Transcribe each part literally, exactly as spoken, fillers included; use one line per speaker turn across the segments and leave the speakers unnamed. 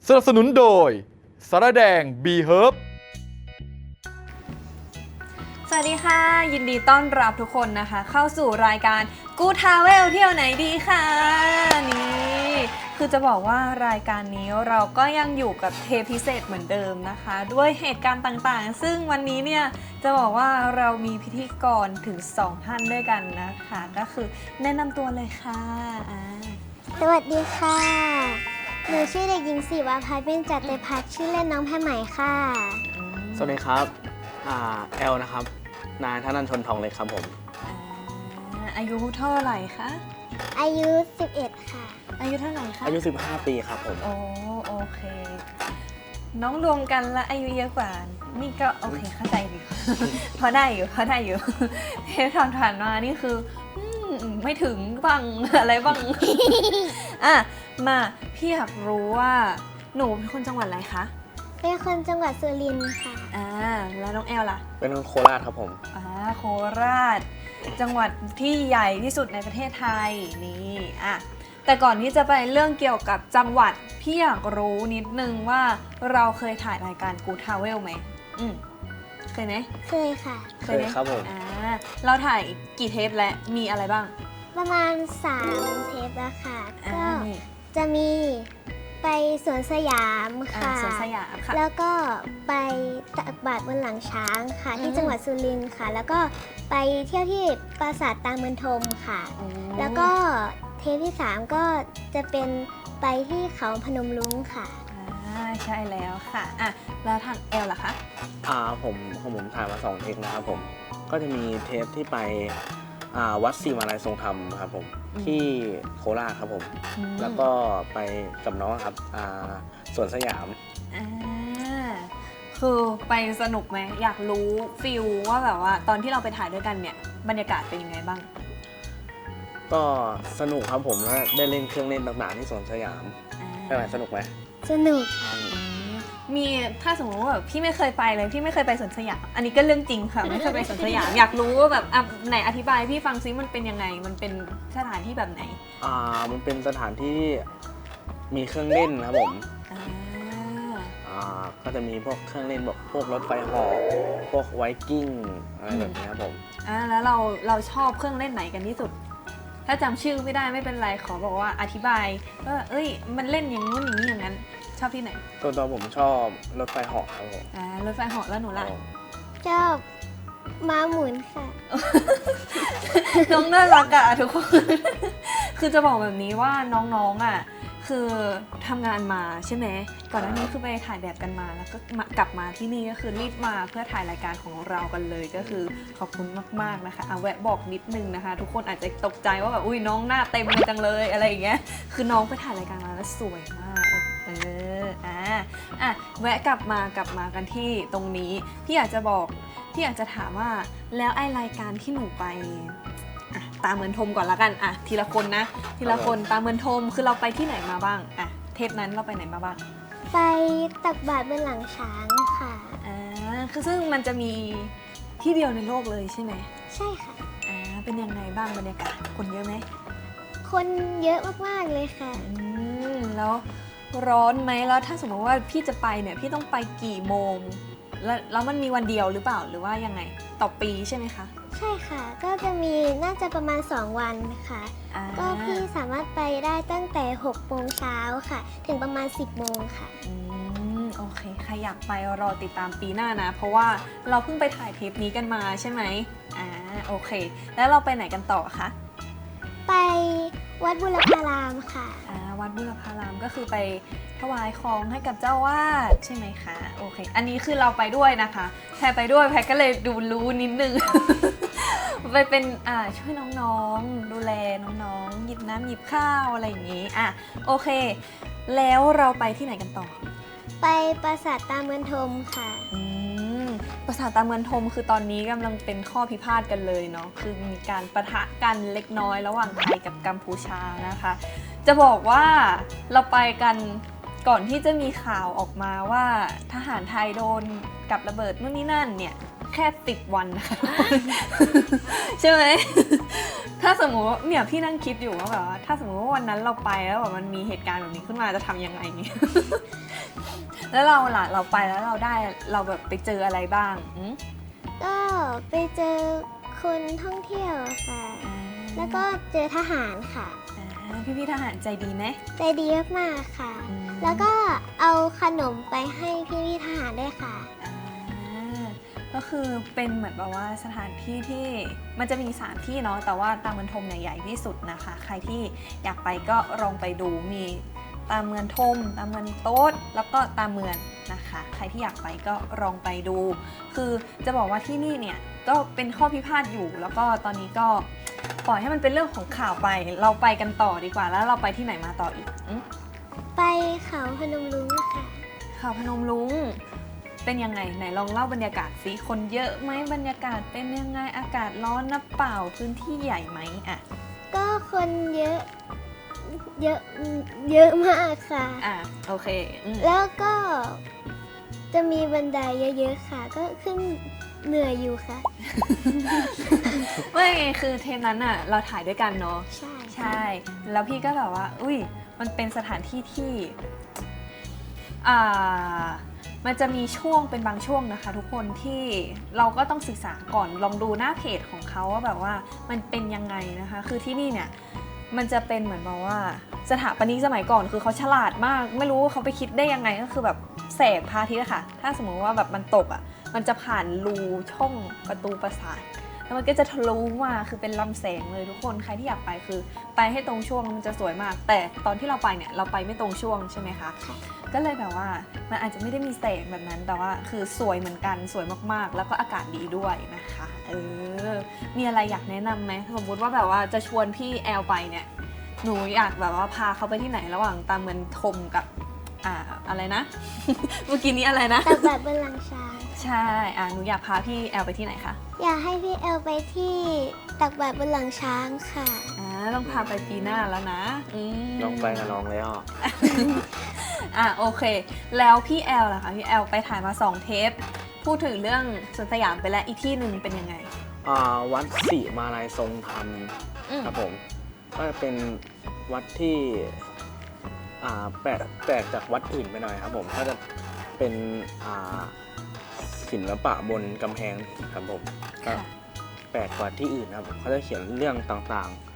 สนับสนุนโดยสาระแดง บี เฮิร์บ
สวัสดีค่ะยินดีต้อนรับทุกคนนะคะเข้าสู่รายการกูทาเวลเที่ยวไหนดีค่ะนี่คือจะบอกว่ารายการนี้เราก็ยังอยู่กับเทปพิเศษเหมือนเดิมนะคะ ด้วยเหตุการณ์ต่างๆซึ่งวันนี้เนี่ยจะบอกว่าเรามีพิธีกรถึงสองท่านด้วยกันนะคะก็คือแนะนำตัวเลยค่ะอ่า
สวัสดีค่ะ หนูชื่อเด็กหญิงศิวาภัยเบญจเตพัฒน์ชื่อเล่นน้องแพรไหมค่ะ
สวัสดีครับอ่าแอลนะครับ นายธนันชนทองเล็กครับผม
อ่าอายุเท่าไหร่คะ
อายุสิบเอ็ดค่ะ
อายุเท่าไหร่คะ
อายุ สิบห้า ปีครับผม
โอ้โอเค น้องรวมกันแล้วอายุเยอะกว่า นี่ก็โอเคเข้าใจอยู่ พอได้อยู่พอได้อยู่ เทปผ่านๆมานี่คืออืมไม่ถึงบ้าง อะไรบ้าง อ่ะมาพี่อยากรู้ว่าหนูเป็นคนจังหวัดอะไรคะ
เป็นคนจังหวัดสุรินทร์ค่ะ
อ่าแล้วน้องแอลล่ะ
เป็นคนโคราชครับผม
อ่าโคราช จังหวัดที่ใหญ่ที่สุดในประเทศไทยนี่อ่ะแต่ก่อนที่จะไปเรื่องเกี่ยวกับจังหวัดพี่อยากรู้นิดนึงว่าเราเคยถ่ายรายการกูทาเวลไหมอืมเคยไหม
เคยค่ะ
เคยครับผม
อ่าเราถ่ายกี่เทปและมีอะไรบ้าง
ประมาณสามเทปแล้วค่ะ
อ่า
ก็
นี่
จะมีไปสวนสยาม
อ่า
ค่ะ
สวนสยามค่ะ
แล้วก็ไปตักบาตรบนหลังช้างค่ะ
อืม
ที่จังหวัดสุรินทร์ค่ะ แล้วก็ไปเที่ยวที่ปราสาทตาเมือนทมค่ะ
อืม
แล้วก็เทปที่สามก็จะเป็นไปที่เขาพนมรุ้งค่ะ
อ่าใช่แล้วค่ะอ่ะแล้วทางแอลล่ะคะ
อ่าผมของผมถ่ายมาสองเทปนะครับผม ก็จะมีเทปที่ไปอ่าวัดศรีมาลัยทรงธรรมครับผม
อืม
ที่โคราชครับผม
อืม
แล้วก็ไปกับน้องครับอ่าสวนสยาม
อ่าคือไปสนุกไหมอยากรู้ฟิลว่าแบบว่าตอนที่เราไปถ่ายด้วยกันเนี่ยบรรยากาศเป็นยังไงบ้าง
ก็สนุกครับผมแล้วได้เล่นเครื่องเล่นต่างๆที่สวนสยาม
อ่า
เป็นไงสนุกไหม
สนุก
อืมมีถ้าสมมติว่าแบบพี่ไม่เคยไปเลยพี่ไม่เคยไปสวนสยามอันนี้ก็เรื่องจริงค่ะไม่เคยไปสวนสยาม อยากรู้ว่าแบบอ่ะไหนอธิบายพี่ฟังซิมันเป็นยังไงมันเป็นสถานที่แบบไหน
อ่ามันเป็นสถานที่ที่มีเครื่องเล่นครับผม
อ่า
อ่าก็จะมีพวกเครื่องเล่นแบบพวกรถไฟเหาะพวกไวกิ้งอะไรแบบนี้ครับผม
อ่าแล้วเราเราชอบเครื่องเล่นไหนกันที่สุด ถ้าจำชื่อไม่ได้ไม่เป็นไรขอบอกว่าอธิบายว่าเอ้ยมันเล่นอย่างนู้นอย่างนี้อย่างนั้นชอบที่ไหน
ตัวตัวผมชอบรถไฟเหาะครับผม
อ่ารถไฟเหาะแล้วหนูล่ะ
ชอบม้าหมุนค่ะ
น้องน่ารักอะทุกคน คือจะบอกแบบนี้ว่าน้องๆอะคือทำงานมาใช่ไหมก่อนหน้านี้คือไปถ่ายแบบกันมาแล้วก็มากลับมาที่นี่ก็คือรีบมาเพื่อถ่ายรายการของเรากันเลยก็คือขอบคุณมากๆนะคะเอาแวะบอกนิดนึงนะคะ ทุกคนอาจจะตกใจว่าแบบอุ้ยน้องหน้าเต็มเลยจังเลยอะไรอย่างเงี้ยคือน้องไปถ่ายรายการมาแล้วสวยมากเอออ่ะอ่ะแวะกลับมากลับมากันที่ตรงนี้พี่อยากจะบอกพี่อยากจะถามว่าแล้วไอรายการที่หนูไปอ่ะตามเมือนทมก่อนละกันอ่ะทีละคนนะทีละคนตามเมือนทมคือเราไปที่ไหนมาบ้างอ่ะเทปนั้นเราไปไหนมาบ้าง
ไปตักบาตรบนหลังช้างค่ะ
อ่าคือซึ่งมันจะมีที่เดียวในโลกเลยใช่ไหม
ใช่ค่ะ
อ่าเป็นยังไงบ้างบรรยากาศคนเยอะไหม
คนเยอะมากๆเลยค่ะ
อืมแล้วร้อนไหมแล้วถ้าสมมติว่าพี่จะไปเนี่ยพี่ต้องไปกี่โมงแล้วแล้วมันมีวันเดียวหรือเปล่าหรือว่ายังไงต่อปีใช่ไหมคะ
ใช่ค่ะ ก็จะมีน่าจะประมาณสองวันค่ะ
อ่า
ก็พี่สามารถไปได้ตั้งแต่หกโมงเช้าค่ะ ถึงประมาณสิบโมงค่ะ
อืมโอเคใครอยากไปรอติดตามปีหน้านะ เพราะว่าเราเพิ่งไปถ่ายเทปนี้กันมาใช่ไหมอ่าโอเค แล้วเราไปไหนกันต่อคะ
ไปวัดบุรพารามค่ะ
อ่าวัดบุรพารามก็คือไปถวายของให้กับเจ้าวาดใช่ไหมคะโอเค อันนี้คือเราไปด้วยนะคะแพรไปด้วยแพรก็เลยดูรู้นิดนึง ไปเป็นอ่าช่วยน้องๆดูแลน้องๆหยิบน้ำหยิบข้าวอะไรอย่างนี้อ่ะโอเค แล้วเราไปที่ไหนกันต่อ
ไปปราสาทตาเมือนทมค่ะ
อืมปราสาทตาเมือนทมคือตอนนี้กำลังเป็นข้อพิพาทกันเลยเนาะคือมีการปะทะกันเล็กน้อยระหว่างไทยกับกัมพูชานะคะ จะบอกว่าเราไปกันก่อนที่จะมีข่าวออกมาว่าทหารไทยโดนกับระเบิดนู่นนี่นั่นเนี่ยแค่สิบวันนะคะ ใช่ไหม ถ้าสมมติว่าเนี่ยพี่นั่งคิดอยู่ว่าแบบว่าถ้าสมมติว่าวันนั้นเราไปแล้วแบบมันมีเหตุการณ์แบบนี้ขึ้นมาจะทำยังไงเนี่ยแล้วเราล่ะเราไปแล้วเราได้เราแบบไปเจออะไรบ้างอืม
ก็ไปเจอคนท่องเที่ยวค่ะ แล้วก็เจอทหารค่ะ
พี่พี่ๆทหารใจดีไหม
ใจดีมากๆค่ะ
อืม
แล้วก็เอาขนมไปให้พี่ๆทหารด้วยค่ะ
อ่าก็คือเป็นเหมือนแบบว่าสถานที่ที่มันจะมีสามที่เนาะแต่ว่าตาเมือนทมเนี่ยใหญ่ที่สุดนะคะ ใครที่อยากไปก็ลองไปดูมีตาเมือนทมตาเมือนโต๊ดแล้วก็ตาเมือนนะคะ ใครที่อยากไปก็ลองไปดู คือจะบอกว่าที่นี่เนี่ยก็เป็นข้อพิพาทอยู่ แล้วก็ตอนนี้ก็ปล่อยให้มันเป็นเรื่องของข่าวไป เราไปกันต่อดีกว่าแล้วเราไปที่ไหนมาต่ออีกอืม
ไปเขาพนมรุ้งค่ะ
เขาพนมรุ้งเป็นยังไงไหนลองเล่าบรรยากาศสิคนเยอะไหมบรรยากาศเป็นยังไงอากาศร้อนนะเปล่าพื้นที่ใหญ่ไหมอ่ะ
ก็คนเยอะ เยอะ เยอะมากค่ะ
อ่ะโอเคอืม
แล้วก็จะมีบันไดเยอะๆค่ะ ก็ขึ้นเหนื่อยอยู่ค่ะ
ไม่คือเทปนั้นอ่ะเราถ่ายด้วยกันเนาะ
ใช่
ใช่แล้วพี่ก็แบบว่าอุ้ยมันเป็นสถานที่ที่อ่ามันจะมีช่วงเป็นบางช่วงนะคะ ทุกคนที่เราก็ต้องศึกษาก่อนลองดูหน้าเพจของเขาว่าแบบว่ามันเป็นยังไงนะคะ คือที่นี่เนี่ยมันจะเป็นเหมือนแบบว่าสถาปนิกสมัยก่อนคือเขาฉลาดมาก ไม่รู้ว่าเขาไปคิดได้ยังไงก็คือแบบแสงพระอาทิตย์อะค่ะ ถ้าสมมติว่าแบบมันตกอะมันจะผ่านรูช่องประตูปราสาท แล้วมันก็จะทะลุมาคือเป็นลำแสงเลยทุกคนใครที่อยากไปคือไปให้ตรงช่วงมันจะสวยมาก แต่ตอนที่เราไปเนี่ยเราไปไม่ตรงช่วงใช่ไหมคะก็เลยแบบว่ามันอาจจะไม่ได้มีแสงแบบนั้นแต่ว่าคือสวยเหมือนกันสวยมากๆ แล้วก็อากาศดีด้วยนะคะเออมีอะไรอยากแนะนำไหมสมมติว่าแบบว่าจะชวนพี่แอลไปเนี่ยหนูอยากแบบว่าพาเขาไปที่ไหนระหว่างตามเมืองทมกับอ่าอะไรนะ เมื่อกี้นี้อะไรนะ
ตักบาตรบนหลังช้าง
ใช่อ่าหนูอยากพาพี่แอลไปที่ไหนคะ
อยากให้พี่เอลไปที่ตักบาตรบนหลังช้างค่ะ
อ่าต้องพาไปปีหน้าแล้วนะอืม
ลองไปกับน้องแล้ว
อ่ะโอเค แล้วพี่แอลล่ะคะพี่แอลไปถ่ายมาสองเทป พูดถึงเรื่องสวนสยามไปแล้วอีกที่หนึ่งเป็นยังไง
อ่าวัดศรีมาลัยทรงธรรม
อืม
ครับผมก็จะเป็นวัดที่อ่าแปลกแปลกจากวัดอื่นไปหน่อยครับผมก็จะเป็นอ่าศิลปะบนกำแพงครับผมก็
ค่ะ
แปลกกว่าที่อื่นครับเขาจะเขียนเรื่องต่างๆ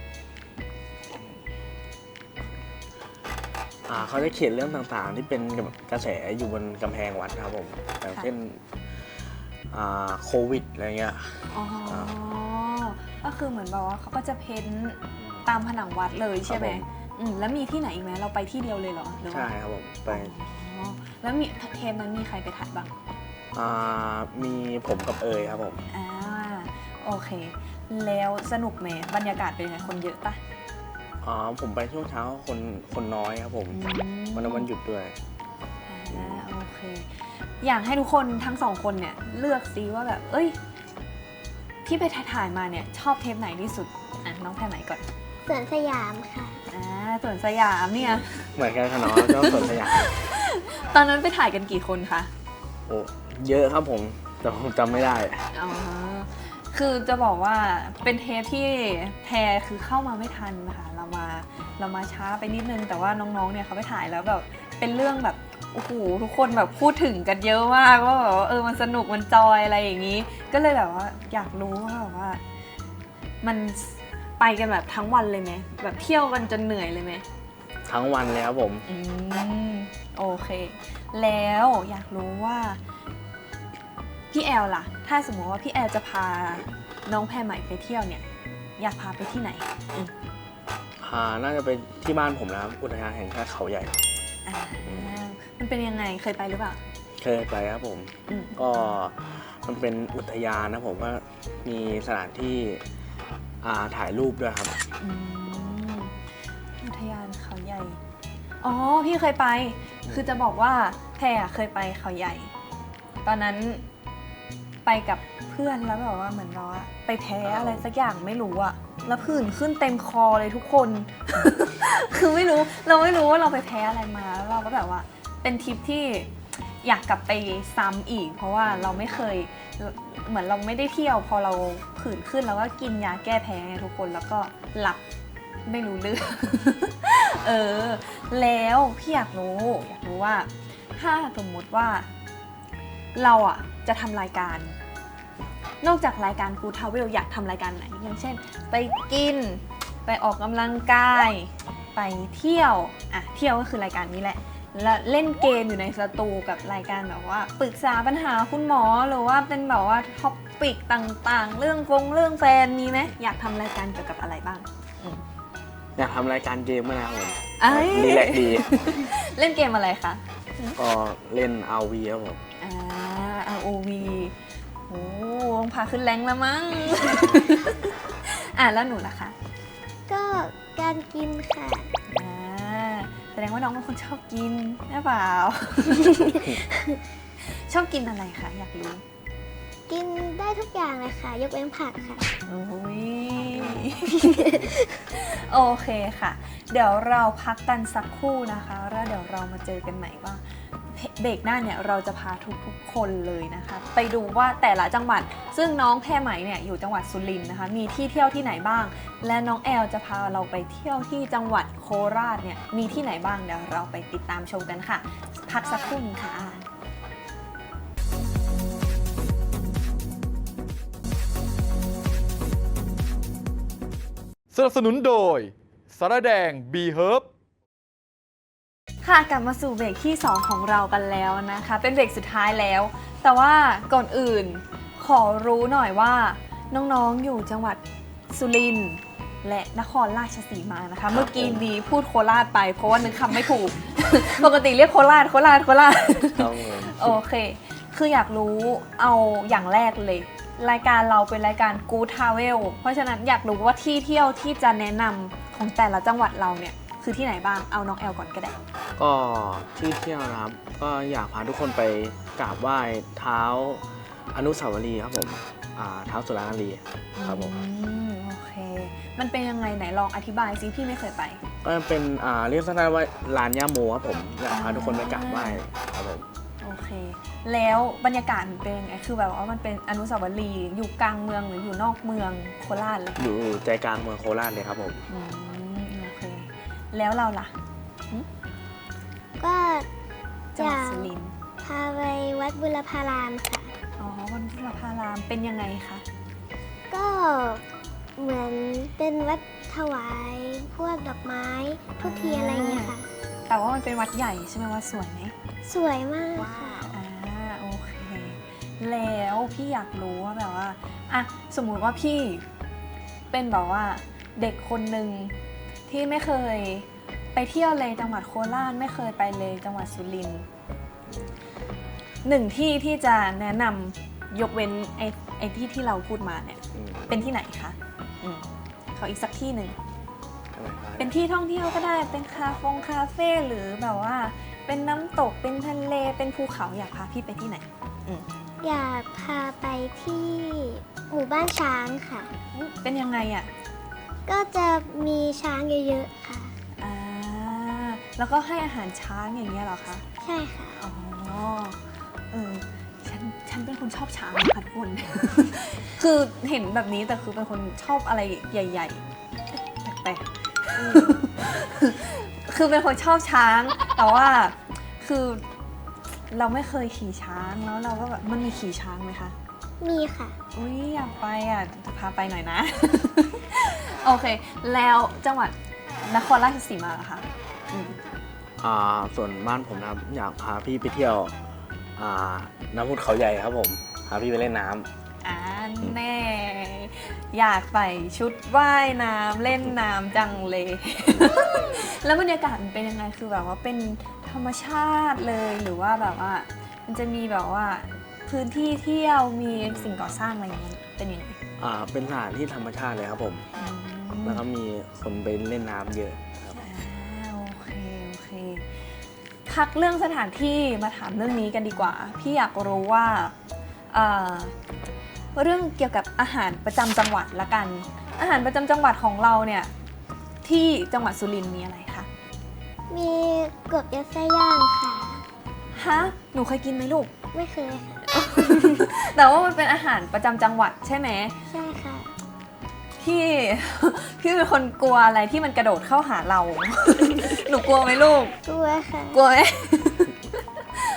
อ่าเขาจะเขียนเรื่องต่างๆ ที่เป็นกระแสอยู่บนกำแพงวัดครับผมอย่างเช่นอ่าโควิดอะไรเงี้ย
อ๋อ ก็คือเหมือนแบบว่าเขาก็จะเพ้นท์ตามผนังวัดเลยใช่ไหม
ครับผม
อืมแล้วมีที่ไหนอีกไหมเราไปที่เดียวเลยเหรอหรือว่า
ใช่ครับผมไป
อ๋อแล้วมีเทปนั้นมีใครไปถ่ายบ้าง
อ่ามีผมกับเอยครับผม
อ่าโอเค แล้วสนุกไหมบรรยากาศเป็นยังไงคนเยอะปะ
อ๋อผมไปช่วงเช้าคนคนน้อยครับผม
อืม
วันนั้นวันหยุดด้วย
อ่าโอเค อยากให้ทุกคนทั้งสองคนเนี่ยเลือกซิว่าแบบ เอ้ย ที่ไปถ่ายๆมาเนี่ยชอบเทปไหนที่สุด อ่ะน้องแพรไหนก่อน
สวนสยามค่ะ
อ่าสวนสยามเนี่ย
เหมือนกันค่ะน้องเจ้าสวนสยาม
ตอนนั้นไปถ่ายกันกี่คนคะ
โอ้เยอะครับผมแต่ผมจำไม่ได้
อ๋อ คือจะบอกว่าเป็นเทปที่แพรคือเข้ามาไม่ทันนะคะเรามาเรามาช้าไปนิดนึง แต่ว่าน้องๆ เนี่ยเขาไปถ่ายแล้วแบบเป็นเรื่องแบบโอ้โหทุกคนแบบพูดถึงกันเยอะมากว่าแบบว่าเออมันสนุกมันจอยอะไรอย่างนี้ ก็เลยแบบว่าอยากรู้ว่าแบบว่า มันไปกันแบบทั้งวันเลยไหมแบบเที่ยวกันจนเหนื่อยเลยไหม
ทั้งวันเลยครับผม
อืมโอเค แล้วอยากรู้ว่าพี่แอลล่ะ ถ้าสมมติว่าพี่แอลจะพาน้องแพรใหม่ไปเที่ยวเนี่ย อยากพาไปที่ไหนอืม
อ่าน่าจะเป็นที่บ้านผมนะครับอุทยานแห่งชาติเขาใหญ่
อ่ามันเป็นยังไงเคยไปหรือเปล่า
เคยไปครับผม
อืม
ก็มันเป็นอุทยานนะผมว่ามีสถานที่อ่าถ่ายรูปด้วยครับ
อืมอุทยานเขาใหญ่ อ๋อพี่เคยไป คือจะบอกว่าแพรอะเคยไปเขาใหญ่ ตอนนั้นไปกับเพื่อนแล้วแบบว่าเหมือนเราอะไปแพ้อะไรสักอย่างไม่รู้อะแล้วผื่นขึ้นเต็มคอเลยทุกคน คือไม่รู้เราไม่รู้ว่าเราไปแพ้อะไรมาแล้วเราก็แบบว่าเป็นทริปที่อยากกลับไปซ้ำอีก เพราะว่าเราไม่เคยเหมือนเราไม่ได้เที่ยวพอเราผื่นขึ้นแล้วก็กินยาแก้แพ้ไงทุกคนแล้วก็หลับไม่รู้เรื่อง เออแล้วพี่อยากรู้อยากรู้ว่าถ้าสมมุติว่าเราอ่ะจะทำรายการ นอกจากรายการ Good Travel อยากทำรายการไหนอย่างเช่นไปกินไปออกกำลังกายไปเที่ยวอ่ะเที่ยวก็คือรายการนี้แหละแล้วเล่นเกมอยู่ในสตูกับรายการแบบว่าปรึกษาปัญหาคุณหมอหรือว่าเป็นแบบว่าท็อปปิกต่างๆ เรื่องฟงเรื่องแฟนมีไหมอยากทำรายการเกี่ยวกับอะไรบ้างอืม
อยากทำรายการเกมมากนะครับผม
เอ้ย
รีแลกซ์ดี
เล่นเกมอะไรคะ
ก็เล่น อาร์ วี ครับผม
อ่า อาร์ โอ วี โอ้ต้องพาขึ้นแรงแล้วมั้ง อ่ะแล้วหนูล่ะคะ
ก็การกินค่ะ
อ่าแสดงว่าน้องเป็นคนชอบกินใช่เปล่า ชอบกินอะไรคะอยากรู้
กินได้ทุกอย่างเลยค่ะ ยกเว้นผักค่ะ
โอ้ย โอเคค่ะ เดี๋ยวเราพักกันสักครู่นะคะแล้วเดี๋ยวเรามาเจอกันใหม่ว่าเบรกหน้าเนี่ยเราจะพาทุกๆคนเลยนะคะ ไปดูว่าแต่ละจังหวัด ซึ่งน้องแพรไหมเนี่ยอยู่จังหวัดสุรินทร์นะคะ มีที่เที่ยวที่ไหนบ้าง และน้องแอลจะพาเราไปเที่ยวที่จังหวัดโคราชเนี่ยมีที่ไหนบ้างเดี๋ยวเราไปติดตามชมกันค่ะ พักสักครู่นึงค่ะ
สนับสนุนโดยสารแดง บี เฮิร์บ
ค่ะกลับมาสู่เบรกที่สองของเรากันแล้วนะคะ เป็นเบรกสุดท้ายแล้ว แต่ว่าก่อนอื่นขอรู้หน่อยว่าน้องๆอยู่จังหวัดสุรินทร์และนครราชสีมานะคะ เมื่อกี้นี้พูดโคราชไปเพราะว่านึกคำไม่ถูก ปกติเรียกโคราชโคราชโคราช
ครับผม
โอเค คืออยากรู้เอาอย่างแรกเลย รายการเราเป็นรายการ Good Travel เพราะฉะนั้นอยากรู้ว่าที่เที่ยวที่จะแนะนำของแต่ละจังหวัดเราเนี่ยคือที่ไหนบ้าง เอาน้องแอลก่อนก็ได้
ก็ที่เที่ยวนะครับ ก็อยากพาทุกคนไปกราบไหว้เท้าอนุสาวรีย์ครับผมอ่าเท้าสุรานารีครับผม
อืมโอเค มันเป็นยังไงไหนลองอธิบายซิพี่ไม่เคยไป
ก็เป็นอ่าเรียกสั้นๆว่าลานย่าโมครับผมอยากพาทุกคนไปกราบไหว้ครับผม
โอเค แล้วบรรยากาศมันเป็นยังไง คือแบบว่ามันเป็นอนุสาวรีย์อยู่กลางเมืองหรืออยู่นอกเมืองโคราชเลย
อยู่ใจกลางเมืองโคราชเลยครับผม
อืมโอเค แล้วเราล่ะ
ก็
จังห
จะ
วัดสุรินทร์
พาไปวัดบุรพารามค่ะ
อ๋อวันพุทธพารามเป็นยังไงคะ
ก็เหมือนเป็นวัดถวายพวกดอกไม้ทุกทีอะไรอย่างเงี้ยค่ะ
แต่ว่ามันเป็นวัดใหญ่ใช่ไหมวัดสวยไหม
สวยมากค่ะ
อ่าโอเค แล้วพี่อยากรู้ว่าแบบว่าอ่ะสมมุติว่าพี่เป็นแบบว่าเด็กคนหนึ่งที่ไม่เคยไปเที่ยวเลยจังหวัดโคราชไม่เคยไปเลยจังหวัดสุรินทร์หนึ่งที่ที่จะแนะนำยกเว้นไอ้ไอ้ที่ที่เราพูดมาเนี่ย
อืม
เป็นที่ไหนคะอืมขออีกสักที่หนึ่ง
อะไรครับ
เป็นที่ท่องเที่ยวก็ได้เป็นคาเฟงคาเฟ่หรือแบบว่าเป็นน้ำตกเป็นทะเลเป็นภูเขาอยากพาพี่ไปที่ไหน
อยากพาไปที่หมู่บ้านช้างค่ะ
เป็นยังไงอ่ะ
ก็จะมีช้างเยอะๆค่ะ
อ่าแล้วก็ให้อาหารช้างอย่างเงี้ยเหรอคะ
ใช่ค่ะ
อ๋อเออฉันฉันเป็นคนชอบช้างค่ะทุกคน คือเห็นแบบนี้แต่คือเป็นคนชอบอะไรใหญ่ๆแปลกๆคือเป็นคนชอบช้าง แต่ว่าคือเราไม่เคยขี่ช้างแล้วเราก็แบบมันมีขี่ช้างไหมคะ
มีค่ะ
อุ้ยอยากไปอ่ะจะพาไปหน่อยนะ โอเค แล้วจังหวัดนครราชสีมาเหรอคะอืม
อ่าส่วนบ้านผมนะครับอยากพาพี่ไปเที่ยวอ่าน้ำพุเขาใหญ่ครับผมพาพี่ไปเล่นน้ำ
อ่าแน่ อยากใส่ชุดว่ายน้ำเล่นน้ำจังเลย แล้วบรรยากาศมันเป็นยังไงคือแบบว่าเป็นธรรมชาติเลยหรือว่าแบบว่า มันจะมีแบบว่าพื้นที่เที่ยวมีสิ่งก่อสร้างอะไรอย่างเงี้ยเป็นยังไง
อ่าเป็นสถานที่ธรรมชาติเลยครับผม
อืม
แล้วก็มีคนไปเล่นน้ำเยอะครับ
อ่าโอเคโอเคพักเรื่องสถานที่มาถามเรื่องนี้กันดีกว่า พี่อยากรู้ว่าเอ่อเรื่องเกี่ยวกับอาหารประจำจังหวัดละกัน อาหารประจำจังหวัดของเราเนี่ยที่จังหวัดสุรินทร์มีอะไรคะ
มีกบยัดไส้ย่างค่ะ
ฮะหนูเคยกินไหมลูก
ไม่เคยค่ะ
แต่ว่ามันเป็นอาหารประจำจังหวัดใช่ไหม
ใช่ค่ะ
พี่ พี่เป็นคนกลัวอะไรที่มันกระโดดเข้าหาเรา หนูกลัวไหมลูก
กลัวค่ะ
กลัวไหม โ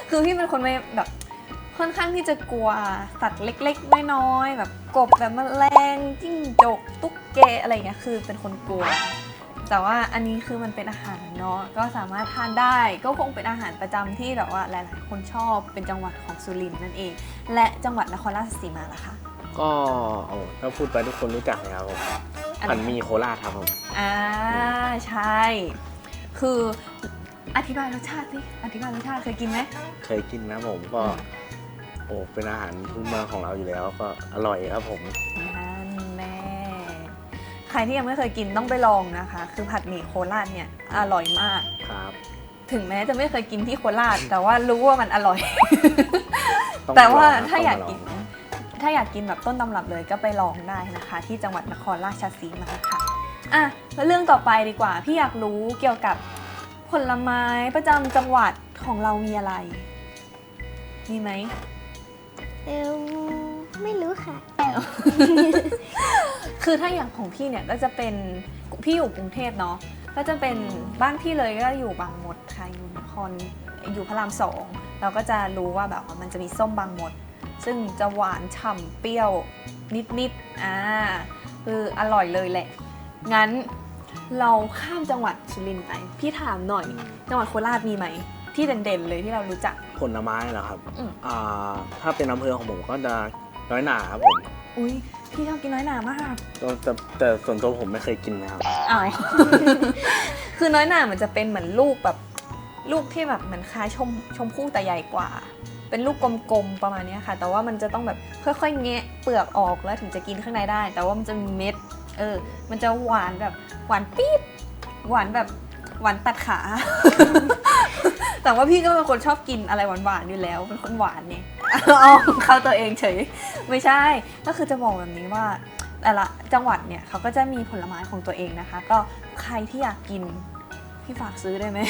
คือพี่เป็นคนไม่แบบค่อนข้างที่จะกลัวสัตว์เล็กๆน้อยๆแบบกบแบบแมลงจิ้งจกตุ๊กแกอะไรเงี้ยคือเป็นคนกลัวแต่ว่าอันนี้คือมันเป็นอาหารเนาะก็สามารถทานได้ก็คงเป็นอาหารประจำที่แบบว่าหลายๆคนชอบเป็นจังหวัดของสุรินทร์นั่นเอง และจังหวัดนครราชสีมาล่ะคะ
ก็โอ้ถ้าพูดไปทุกคนรู้จักเลยครับผม
อะไร
ผันหมีโคราชครับผม
อ่าใช่ คืออธิบายรสชาติสิอธิบายรสชาติเคยกินไหม
เคยกินนะผมก็โอ้เป็นอาหารพื้นเมืองของเราอยู่แล้วก็อร่อยครับผม
นั่นแน่ใครที่ยังไม่เคยกินต้องไปลองนะคะ คือผัดหมี่โคราชเนี่ยอร่อยมาก
ครับ
ถึงแม้จะไม่เคยกินที่โคราช แต่ว่ารู้ว่ามันอร่อย
ต้อง
แต่ว่า
ลองนะ
ถ้าอยาก
ต้องมล
กิ
ง
น ถ้าอยากกินแบบต้นตำรับเลยก็ไปลองได้นะคะ ที่จังหวัดนครราชสีมาค่ะอ่ะแล้วเรื่องต่อไปดีกว่า พี่อยากรู้เกี่ยวกับผลไม้ประจำจังหวัดของเรามีอะไร มีไหม
เออไม่รู้ค่ะ
คือถ้าอย่างของพี่เนี่ยก็จะเป็นพี่อยู่กรุงเทพเนาะก็จะเป็นบ้านพี่เลยก็อยู่บางมดค่ะอยู่นครอยู่พระรามสองเราก็จะรู้ว่าแบบว่ามันจะมีส้มบางมด ซึ่งจะหวานฉ่ำเปรี้ยวนิดๆอ่าคืออร่อยเลยแหละ งั้นเราข้ามจังหวัดสุรินทร์ไปพี่ถามหน่อย จังหวัดโคราชมีไหมที่เด่นๆเลยที่เรารู้จัก
ผลไม้เหรอครับ
อืม
อ่าถ้าเป็นอำเภอของผมก็จะน้อยหนาครับผม
อุ้ยพี่ชอบกินน้อยหนามาก
แต่แต่แต่ส่วนตัวผมไม่เคยกินนะครับ
อ้าว คือน้อยหน่ามันจะเป็นเหมือนลูกแบบลูกที่แบบเหมือนคล้ายชมชมพู่แต่ใหญ่กว่า เป็นลูกกลมๆประมาณเนี้ยค่ะ แต่ว่ามันจะต้องแบบค่อยๆแงะเปลือกออกแล้วถึงจะกินข้างในได้ แต่ว่ามันจะมีเม็ด เออ มันจะหวานแบบหวานปี๊ดหวานแบบหวานตัดขา แต่ว่าพี่ก็เป็นคนชอบกินอะไรหวานๆอยู่แล้ว เป็นคนหวานเนี่ย เอาเข้าตัวเองเฉย ไม่ใช่ ก็คือจะบอกแบบนี้ว่า แต่ละจังหวัดเนี่ยเขาก็จะมีผลไม้ของตัวเองนะคะ ก็ใครที่อยากกินพี่ฝากซื้อได้ไหม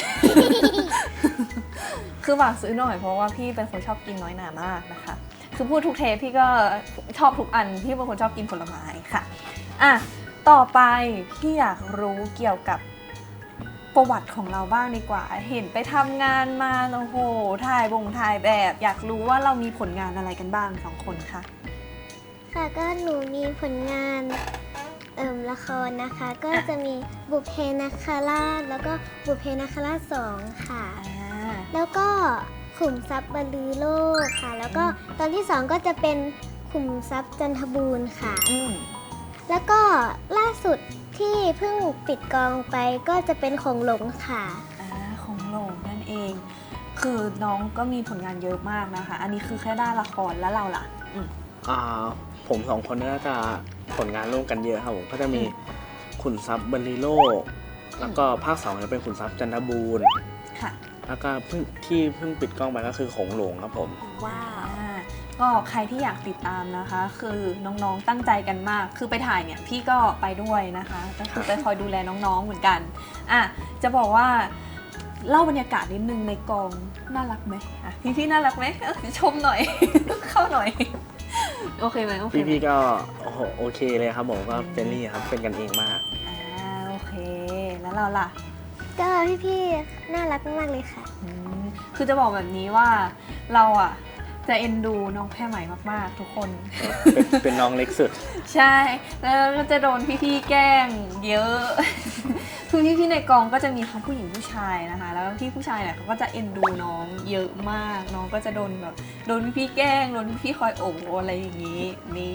คือฝากซื้อหน่อยเพราะว่าพี่เป็นคนชอบกินน้อยหนามากนะคะ คือพูดทุกเทปพี่ก็ชอบทุกอันพี่เป็นคนชอบกินผลไม้ค่ะอ่ะต่อไปพี่อยากรู้เกี่ยวกับประวัติของเราบ้างดีกว่า เห็นไปทำงานมาโอ้โหถ่ายบงถ่ายแบบ อยากรู้ว่าเรามีผลงานอะไรกันบ้างสองคนคะ
ค่ะก็หนูมีผลงานเอิ่มละครนะคะ ก็จะมีบุพเพนาคราชแล้วก็บุพเพนาคราชสองค่ะ
อ่า
แล้วก็ขุมทรัพย์บรรลือโลกค่ะ แล้วก็ตอนที่สองก็จะเป็นขุมทรัพย์จันทบูรณ์ค่ะ
อืม
แล้วก็ล่าสุดที่เพิ่งปิดกองไปก็จะเป็นของหลงค่ะ
อ่าของโหลงนั่นเอง คือน้องก็มีผลงานเยอะมากนะคะ อันนี้คือแค่ด้านละครแล้วเราล่ะอืม
อ่าผมสองคนก็จะผลงานร่วมกันเยอะครับผมก็จะมี
อืม
ขุนทรัพย์บรรลีโลก แล้วก็ภาคสองจะเป็นขุนทรัพย์จันทบูรณ์
ค่ะ
แล้วก็เพิ่งที่เพิ่งปิดกล้องไปก็คือของหลวงครับผม
ว้าวก็ใครที่อยากติดตามนะคะ คือน้องๆตั้งใจกันมาก คือไปถ่ายเนี่ยพี่ก็ไปด้วยนะคะก็คือไปคอยดูแลน้องๆเหมือนกันอ่ะจะบอกว่าเล่าบรรยากาศนิดนึงในกองน่ารักไหมอ่ะพี่ๆน่ารักไหมเออชมหน่อย เข้าหน่อย โอเคไหมโอเคไหม
พี่ๆก็โอ้โหโอเคเลยครับผมก็เฟรนลี่ครับเป็นกันเองมาก
อ่าโอเค แล้วเราล่ะ
ก็พี่ๆน่ารักมากเลยค่ะ
อืมคือจะบอกแบบนี้ว่าเราอ่ะจะเอ็นดูน้องแพรใหม่มากๆทุกคน
เป็นเป็นน้องเล็กสุด
ใช่ แล้วก็จะโดนพี่ๆแกล้งเยอะ คือพี่ๆในกองก็จะมีทั้งผู้หญิงผู้ชายนะคะ แล้วพี่ผู้ชายเนี่ยเขาก็จะเอ็นดูน้องเยอะมาก น้องก็จะโดนแบบโดนพี่ๆแกล้ง โดนพี่ๆคอยโอบอะไรอย่างนี้ นี่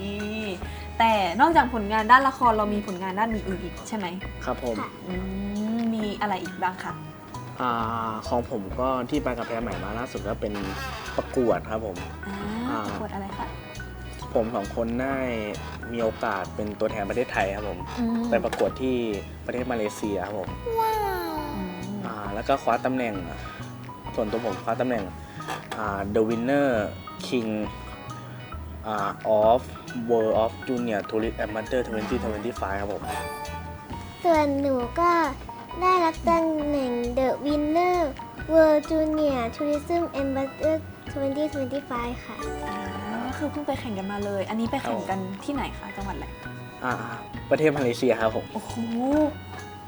แต่นอกจากผลงานด้านละครเรามีผลงานด้านอื่นๆอีกใช่ไหม
ครับผม
ค่ะ
อืมมีอะไรอีกบ้างคะ
อ่าของผมก็ที่ไปกับแพรใหม่มาล่าสุดก็เป็นประกวดครับผม
อ่า
อ่า
ประกวดอะไรคะ
ผมสองคนได้มีโอกาสเป็นตัวแทนประเทศไทยครับผม
อืม
ไปประกวดที่ประเทศมาเลเซียครับผม
อืม
อ่าแล้วก็คว้าตำแหน่ง ส่วนตัวผมคว้าตำแหน่งอ่า The Winner King อ่า of World of Junior Tourist Amateur ยี่สิบยี่สิบห้าครับผม
ส่วนหนูก็ได้รับตำแหน่ง The Winner World Junior Tourism Ambassador ยี่สิบยี่สิบห้าค่ะ
อ่าก็คือเพิ่งไปแข่งกันมาเลย อันนี้ไปแข่งกันที่ไหนคะ จังหวัดอะไร
อ่าประเทศมาเลเซียครับผม
โอ้โห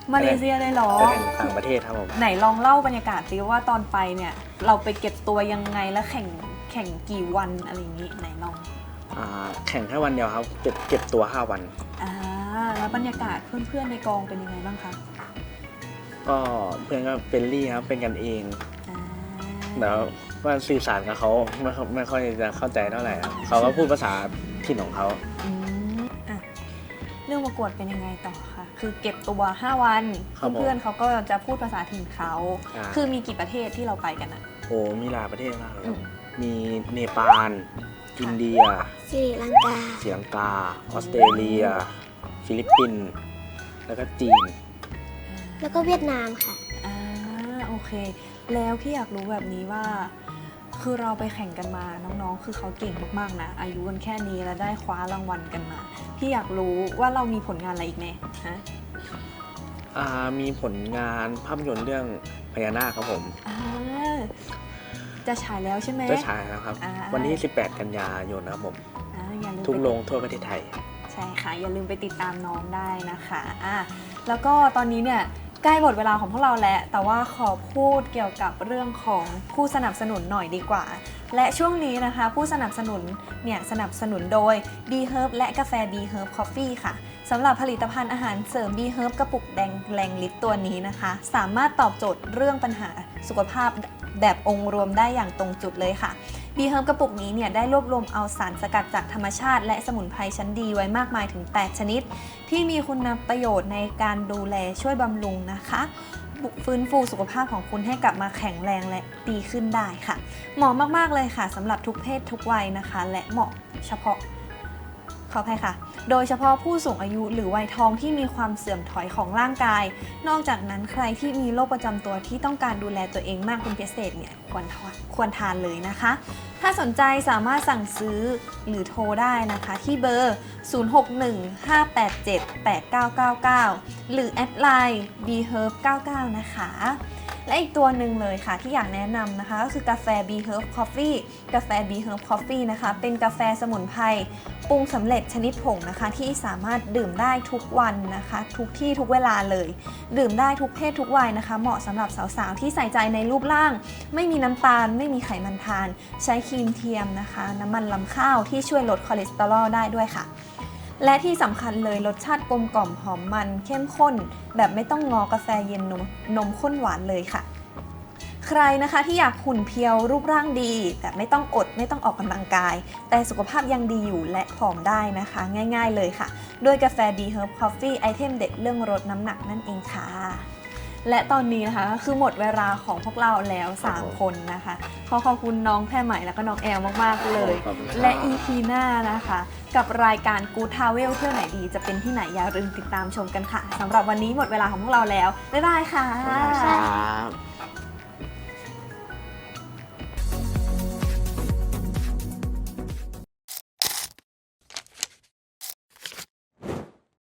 มาเลเซียเลยเหรอ
ไปแข่งต่างประเทศครับผม
ไหนลองเล่าบรรยากาศสิว่าตอนไปเนี่ยเราไปเก็บตัวยังไงและแข่งแข่งกี่วันอะไรอย่างนี้ไหนลอง
อ่าแข่งแค่วันเดียวครับเก็บเก็บตัวห้าวัน
อ่าแล้วบรรยากาศเพื่อนๆในกองเป็นยังไงบ้างคะ
ก็เพื่อนก็เป็นรี่ครับเป็นกันเอง
อ่า
แล้วว่าสื่อสารกับเขาไม่ค่อยไม่ค่อยจะเข้าใจเท่าไหร่ครับเขาก็พูดภาษาถิ่นของเขา
อืมอ่ะเรื่องประกวดเป็นยังไงต่อคะคือเก็บตัวห้าวัน
ครับผม
เพื่อนๆเขาก็จะพูดภาษาถิ่นเขา
อ่า
คือมีกี่ประเทศที่เราไปกันอะ
โอ้มีหลายประเทศมากเลยครับ
อืม
มีเนปาลอินเดีย
สิริลังกา
ศรีลังกา ออสเตรเลีย ฟิลิปปินส์แล้วก็จีน
แล้วก็เวียดนามค่ะ
อ่าโอเค แล้วพี่อยากรู้แบบนี้ว่า คือเราไปแข่งกันมาน้องๆ คือเขาเก่งมากๆนะอายุกันแค่นี้แล้วได้คว้ารางวัลกันมา พี่อยากรู้ว่าเรามีผลงานอะไรอีกไหมฮะ
อ่ามีผลงานภาพยนตร์เรื่องพญานาคครับผม
อ่าจะฉายแล้วใช่ไหม
จะฉายนะครับ
อ่า
วันที่ สิบแปด กันยายนนะครับผม
อ่าอย่าลืม
ทุก
ไป
โรงทั่วประเทศไทย
ใช่ค่ะ อย่าลืมไปติดตามน้องได้นะคะอ่ะแล้วก็ตอนนี้เนี่ยใกล้หมดเวลาของพวกเราแล้ว แต่ว่าขอพูดเกี่ยวกับเรื่องของผู้สนับสนุนหน่อยดีกว่า และช่วงนี้นะคะ ผู้สนับสนุนเนี่ยสนับสนุนโดย B Herb และกาแฟ B Herb Coffee ค่ะสำหรับผลิตภัณฑ์อาหารเสริม B Herb กระปุกแดงแรงฤทธิ์ตัวนี้นะคะ สามารถตอบโจทย์เรื่องปัญหาสุขภาพแบบองค์รวมได้อย่างตรงจุดเลยค่ะ B Herb กระปุกนี้เนี่ยได้รวบรวมเอาสารสกัดจากธรรมชาติและสมุนไพรชั้นดีไว้มากมายถึง แปด ชนิด ที่มีคุณประโยชน์ในการดูแลช่วยบำรุงนะคะฟื้นฟูสุขภาพของคุณให้กลับมาแข็งแรงและดีขึ้นได้ค่ะ เหมาะมากๆเลยค่ะสำหรับทุกเพศทุกวัยนะคะ และเหมาะเฉพาะขออภัยค่ะ โดยเฉพาะผู้สูงอายุหรือวัยทองที่มีความเสื่อมถอยของร่างกาย นอกจากนั้นใครที่มีโรคประจำตัวที่ต้องการดูแลตัวเองมากเป็นพิเศษเนี่ยควรทานควรทานเลยนะคะ ถ้าสนใจสามารถสั่งซื้อหรือโทรได้นะคะที่เบอร์ ศูนย์ หก หนึ่ง ห้า แปด เจ็ด แปด เก้า เก้า เก้า หรือแอดไลน์ บี เฮิร์บ เก้า เก้า นะคะ และอีกตัวหนึ่งเลยค่ะที่อยากแนะนำนะคะก็คือกาแฟ B Herb Coffee กาแฟ B Herb Coffee นะคะเป็นกาแฟสมุนไพรปรุงสำเร็จชนิดผงนะคะที่สามารถดื่มได้ทุกวันนะคะทุกที่ทุกเวลาเลย ดื่มได้ทุกเพศทุกวัยนะคะเหมาะสำหรับสาวๆที่ใส่ใจในรูปร่าง ไม่มีน้ำตาลไม่มีไขมันทาน ใช้ครีมเทียมนะคะน้ำมันลำข้าวที่ช่วยลดคอเลสเตอรอลได้ด้วยค่ะ และที่สำคัญเลยรสชาติกลมกล่อมหอมมันเข้มข้น แบบไม่ต้องงอกาแฟเย็นนมนมข้นหวานเลยค่ะ ใครนะคะที่อยากหุ่นเพียวรูปร่างดีแต่ไม่ต้องอดไม่ต้องออกกำลังกาย แต่สุขภาพยังดีอยู่และผอมได้นะคะ ง่ายๆเลยค่ะด้วยกาแฟ B Herb Coffee ไอเทมเด็ดเรื่องลดน้ำหนักนั่นเองค่ะ และตอนนี้นะคะคือหมดเวลาของพวกเราแล้วสามคนนะคะขอขอบคุณน้องแพรใหม่แล้วก็น้องแอลมากๆเลย
ขอบคุณครับ
และ อี พี หน้านะคะ กับรายการ Good Travel เที่ยวไหนดีจะเป็นที่ไหนอย่าลืมติดตามชมกันค่ะสำหรับวันนี้หมดเวลาของพวกเราแล้วบ๊ายบายค่ะ
ครับ